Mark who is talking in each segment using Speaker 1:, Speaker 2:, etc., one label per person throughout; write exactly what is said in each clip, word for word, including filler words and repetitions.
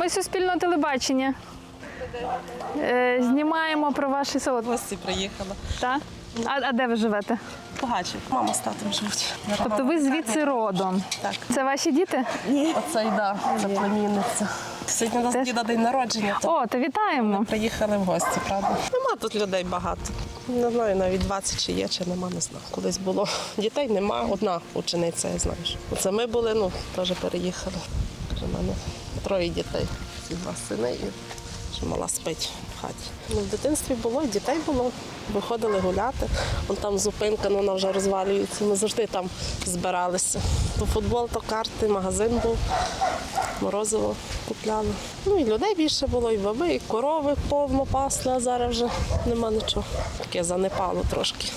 Speaker 1: Ми Суспільне телебачення. Е, знімаємо про ваше село.
Speaker 2: Гості приїхала.
Speaker 1: Так? А, а де ви живете?
Speaker 2: Погачів. Мама з татом живуть.
Speaker 1: Тобто ви звідси родом?
Speaker 2: Так.
Speaker 1: Це ваші діти?
Speaker 2: Ні. Оце й да, це племінниця. Сьогодні у нас
Speaker 1: Теж?
Speaker 2: діда день народження, то
Speaker 1: О, то вітаємо.
Speaker 2: приїхали в гості, правда. Нема тут людей багато. Не знаю, навіть двадцять чи є, чи нема, не знаю. Колись було. Дітей нема, одна учениця, я знаю. що. Оце ми були, ну, теж переїхали. Каже, в мене троє дітей, ці два сини і що мала спить в хаті. Ну, в дитинстві було, і дітей було. Виходили гуляти. Вон там зупинка, ну, вона вже розвалюється. Ми завжди там збиралися. То футбол, то карти, магазин був. Морозиво купляли. Ну і людей більше було, і баби, і корови повно пасли, а зараз вже нема нічого. Таке занепало трошки.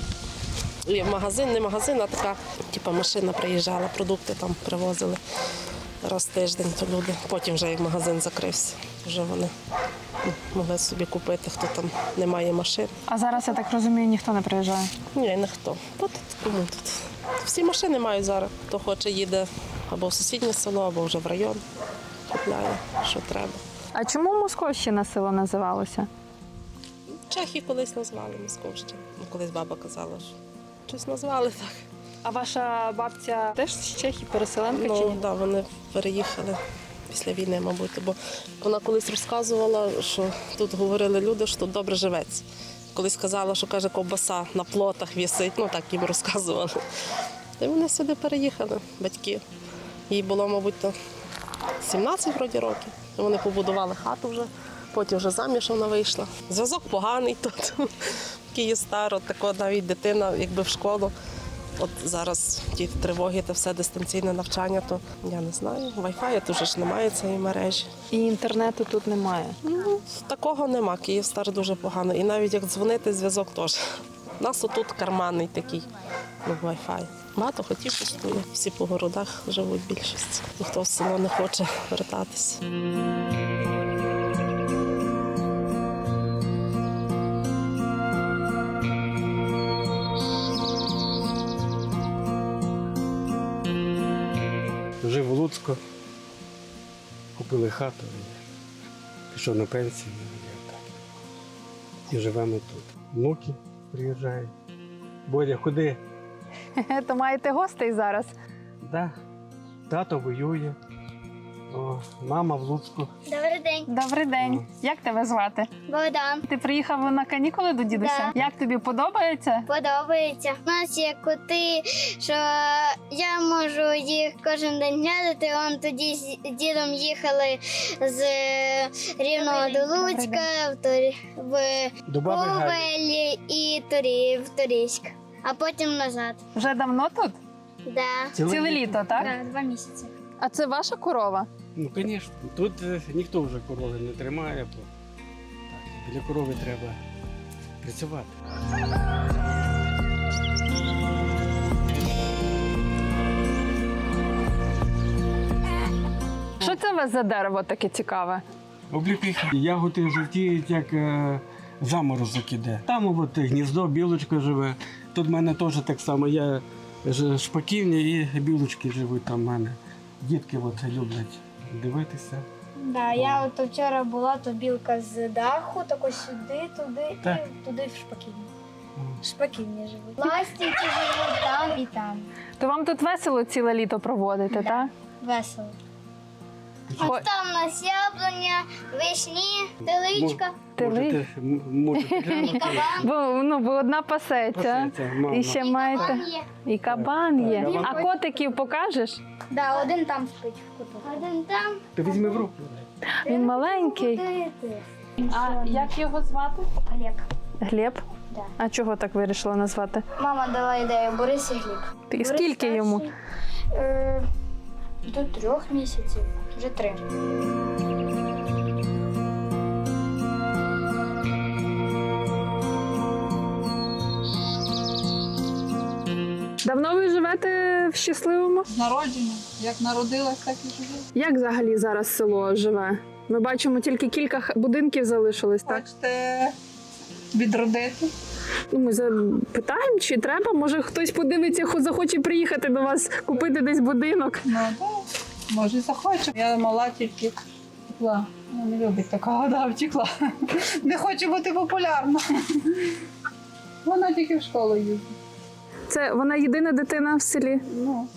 Speaker 2: І магазин, не магазин, а така типу, машина приїжджала, продукти там привозили раз в тиждень, то люди. Потім вже як магазин закрився, вже вони ну, могли собі купити, хто там не має машин.
Speaker 1: А зараз, я так розумію, ніхто не приїжджає?
Speaker 2: Ні, ніхто. Та тут кому тут? Всі машини мають зараз. Хто хоче, їде або в сусіднє село, або вже в район. Купляє, що треба.
Speaker 1: А чому Московщина село називалося?
Speaker 2: Чехи колись назвали Московщину. Ну, колись баба казала, що щось назвали так.
Speaker 1: А ваша бабця теж з Чехії, переселенка чи
Speaker 2: Ну,
Speaker 1: ні?
Speaker 2: да, вони переїхали після війни, мабуть, бо вона колись розказувала, що тут говорили люди, що тут добре живеться. Колись казала, що каже, ковбаса на плотах вісить, ну так їм розказували. І вони сюди переїхали, батьки. Їй було, мабуть, то сімнадцять вроді років. І вони побудували хату вже, потім вже заміж вона вийшла. Зв'язок поганий тут. Київстар, от тако навіть дитина, якби в школу. От зараз ті тривоги та все дистанційне навчання, то я не знаю. Вай-фаю тут же ж немає цієї мережі.
Speaker 1: І інтернету тут немає.
Speaker 2: Ну, такого нема. Київстар дуже погано. І навіть як дзвонити, зв'язок теж. У нас отут карманний такий, ну, Wi-Fi. Багато хотів пустує. Всі по городах живуть більшість. Ніхто в село не хоче вертатися.
Speaker 3: Жив у Луцьку, купили хату, і пішов на пенсію. І, так. І живемо тут. Внуки приїжджають. Бодя, куди?
Speaker 1: То маєте гостей зараз?
Speaker 3: Да. Тато воює. О, мама в Луцьку.
Speaker 4: Добрий день,
Speaker 1: Добрий день. Як тебе звати?
Speaker 4: Богдан.
Speaker 1: Ти приїхав на канікули до дідуся?
Speaker 4: Да.
Speaker 1: Як тобі подобається?
Speaker 4: Подобається. У нас є коти, що я можу їх кожен день глядати. Он тоді з дідом їхали з Рівного до Луцька, в, Торі... в
Speaker 3: До баби Галі.
Speaker 4: Ковель і Торі... в Торійськ, а потім назад.
Speaker 1: Вже давно тут?
Speaker 4: Да.
Speaker 3: Ціле
Speaker 1: Ціле
Speaker 3: літо.
Speaker 1: літо, так?
Speaker 4: Да, два місяці.
Speaker 1: А це ваша корова?
Speaker 3: Ну, звісно. Тут е, ніхто вже корови не тримає, бо так, для корови треба працювати.
Speaker 1: Що це у вас за дерево таке цікаве?
Speaker 3: Обліпіха. Ягоди жовтіють, як е, заморозок іде. Там от гніздо, білочка живе. Тут в мене теж так само. Я ж- шпаківня і білочки живуть там в мене. Дітки от люблять дивитися.
Speaker 5: Да, я от вчора була, то білка з даху, тако сюди, туди
Speaker 3: Так.
Speaker 5: і туди в шпаківні. В шпаківні живуть. Ластівки живуть там і там.
Speaker 1: То вам тут весело ціле літо проводити, так?
Speaker 5: Весело.
Speaker 1: Хо-
Speaker 4: Ось там у нас яблуня, вишні, теличка.
Speaker 3: Можете, м- можете глянути.
Speaker 1: Бо, ну, бо одна пасеться.
Speaker 3: Пасеться, мама.
Speaker 1: І ще маєте.
Speaker 4: Кабан є.
Speaker 1: І кабан є.
Speaker 3: Кабан.
Speaker 1: А котиків покажеш?
Speaker 5: Да, один там спить в куту.
Speaker 4: Один там.
Speaker 3: Ти візьми в руку.
Speaker 1: Він маленький. А як його звати?
Speaker 5: Олег.
Speaker 1: Глеб?
Speaker 5: Да.
Speaker 1: А чого так вирішила назвати?
Speaker 5: Мама дала ідею Борис і Гліб.
Speaker 1: І
Speaker 5: Борис
Speaker 1: скільки
Speaker 5: старший,
Speaker 1: йому?
Speaker 5: Е, до трьох місяців. Вже три.
Speaker 1: Давно ви живете в Щасливому?
Speaker 6: З народження. Як народилась, так і живу.
Speaker 1: Як взагалі зараз село живе? Ми бачимо, тільки кілька х- будинків залишилось, так?
Speaker 6: Хочете відродити?
Speaker 1: Ну, ми запитаємо, чи треба. Може, хтось подивиться, хо- захоче приїхати до вас, купити десь будинок.
Speaker 6: Ну так, може захочу. Я мала тільки втекла. Вона не любить такого, да, втекла. Не хоче бути популярна. Вона тільки в школу їздить.
Speaker 1: Це вона єдина дитина в селі.
Speaker 6: Ну,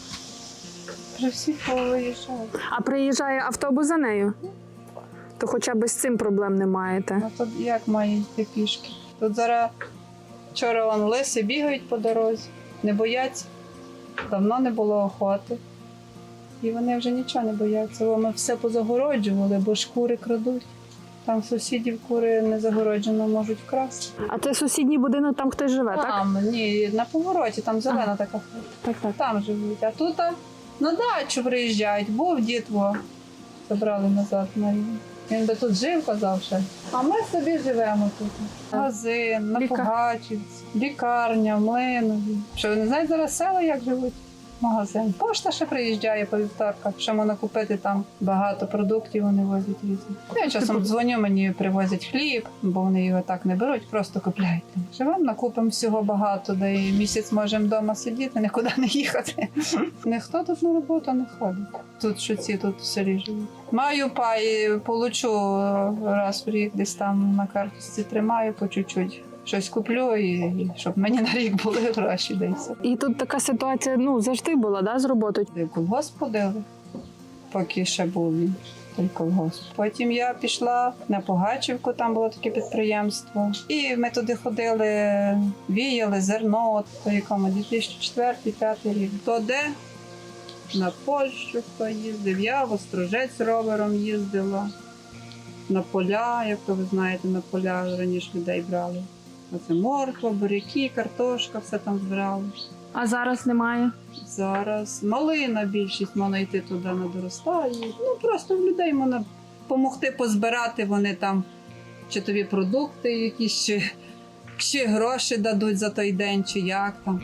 Speaker 6: вже всі повиїжджають.
Speaker 1: А приїжджає автобус за нею? То хоча б з цим проблем не маєте.
Speaker 6: А тут як має йти пішки? Тут зараз вчора вон лиси бігають по дорозі, не бояться. Давно не було охоти. І вони вже нічого не бояться. Бо ми все позагороджували, бо ж кури крадуть. Там сусідів кури не загороджено можуть вкрасти.
Speaker 1: А це сусідній будинок, там хтось живе, так?
Speaker 6: Там, ні, на повороті, там зелена така хата.
Speaker 1: Так, так.
Speaker 6: Там живуть. А тут а, на дачу приїжджають. Був дід, во, забрали назад на рівні. Він би тут жив, казав ще. А ми собі живемо тут. Магазин, на
Speaker 1: Ліка-
Speaker 6: Погачівці, лікарня, Млинові. Що ви не знаєте зараз села, як живуть? Магазин. Пошта ще приїжджає по вівторках, що можна купити там багато продуктів, вони возять різні. Я часом дзвоню, мені привозять хліб, бо вони його так не беруть, просто купляють. Живемо, накупимо всього багато, де і місяць можемо вдома сидіти, нікуди не їхати. Ніхто тут на роботу не ходить. Тут що ці тут в селі живуть. Маю пай, получу раз в рік, десь там на карточці тримаю по чуть-чуть. Щось куплю, і, і щоб мені на рік були гроші десь.
Speaker 1: І тут така ситуація, ну, завжди була, да, з роботою?
Speaker 6: В колгосп ходили, поки ще був він, той колгосп. Потім я пішла на Погачівку, там було таке підприємство. І ми туди ходили, віяли зерно, от по якому дві тисячі четвертий - дві тисячі п'ятий рік. То де? На Польщу хто їздив, я в Острожець ровером їздила. На поля, як то ви знаєте, на поля раніше людей брали. Оце морква, буряки, картошка, все там збирали.
Speaker 1: А зараз немає?
Speaker 6: Зараз малина більшість можна йти туди на доростає. Ну просто в людей можна допомогти позбирати, вони там чи тобі продукти якісь, чи, чи гроші дадуть за той день, чи як там.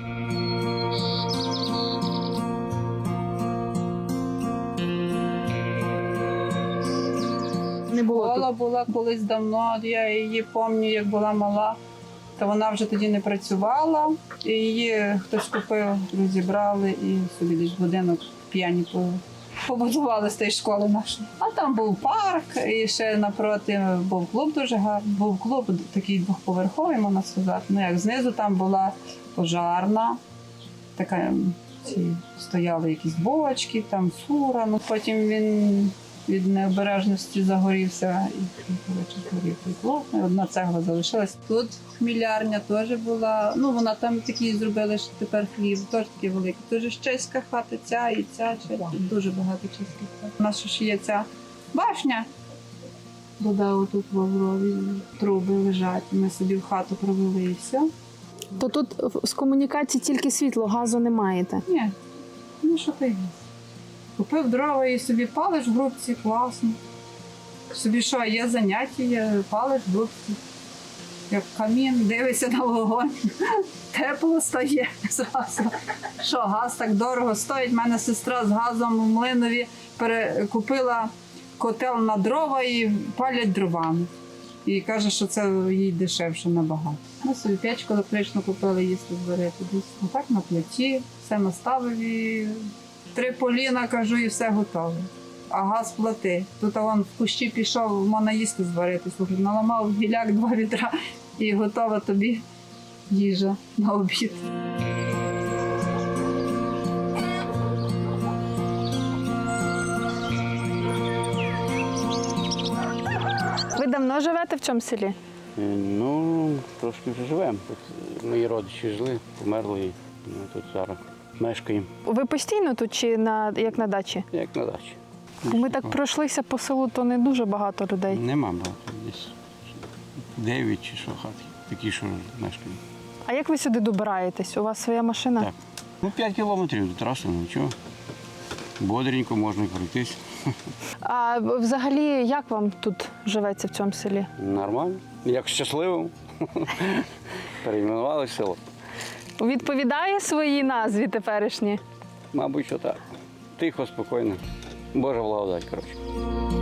Speaker 1: Не було
Speaker 6: Школа
Speaker 1: тут.
Speaker 6: була колись давно, я її пам'ятаю, як була мала, то вона вже тоді не працювала. І її хтось купив, розібрали і собі десь будинок п'яні побудували з тієї школи нашої. А там був парк, і ще напроти був клуб дуже гарний. Був клуб такий двохповерховий, можна сказати. Ну як знизу там була пожарна, така ці стояли якісь бочки, там фура. Ну потім він від необережності загорівся і коротше згорів той клуб. І одна цегла залишилась. Тут хмілярня теж була. Ну вона там такі зробили, що тепер хліб, теж такі великі. Дуже ж чеська хата, ця і ця, тут дуже багато чеських хат. У нас ж є ця башня. Вода отут в Лаврові, труби лежать. Ми собі в хату провели і все.
Speaker 1: То тут з комунікації тільки світло, газу не маєте?
Speaker 6: Ні, ну що ти? Купив дрова і собі палиш в грубці, класно. Собі що, є заняття, є, палиш в грубці. Як камін, дивишся на вогонь. Тепло стає зразу. Що, газ так дорого стоїть. У мене сестра з газом у Млинові перекупила котел на дрова і палять дровами. І каже, що це їй дешевше набагато. Ми собі печку електричну купили їсти зварити. А так на плиті, все наставив і три поліна, кажу, і все готове. А газ плати. Тут а вон в кущі пішов, можна їсти зварити. Слухай, наламав гіляк два відра і готова тобі їжа на обід.
Speaker 1: Ви давно живете в цьому селі?
Speaker 7: Е, Ну, трошки вже живемо. Тут мої родичі жили, померли, і ми тут зараз мешкаємо,
Speaker 1: Ви постійно тут чи на, як на дачі?
Speaker 7: як на дачі.
Speaker 1: Ми так пройшлися по селу, то не дуже багато людей.
Speaker 7: Нема багато, десь дев'ять чи що хат, такі, що мешкають.
Speaker 1: А як ви сюди добираєтесь? У вас своя машина?
Speaker 7: Так. Ну, п'ять кілометрів до траси, ну нічого. Бодренько можна пройтись.
Speaker 1: А взагалі, як вам тут живеться в цьому селі?
Speaker 7: Нормально. Як щасливо. Перейменували село.
Speaker 1: Відповідає своїй назві теперішній?
Speaker 7: Мабуть, що так. Тихо, спокійно. Божа благодать, коротше.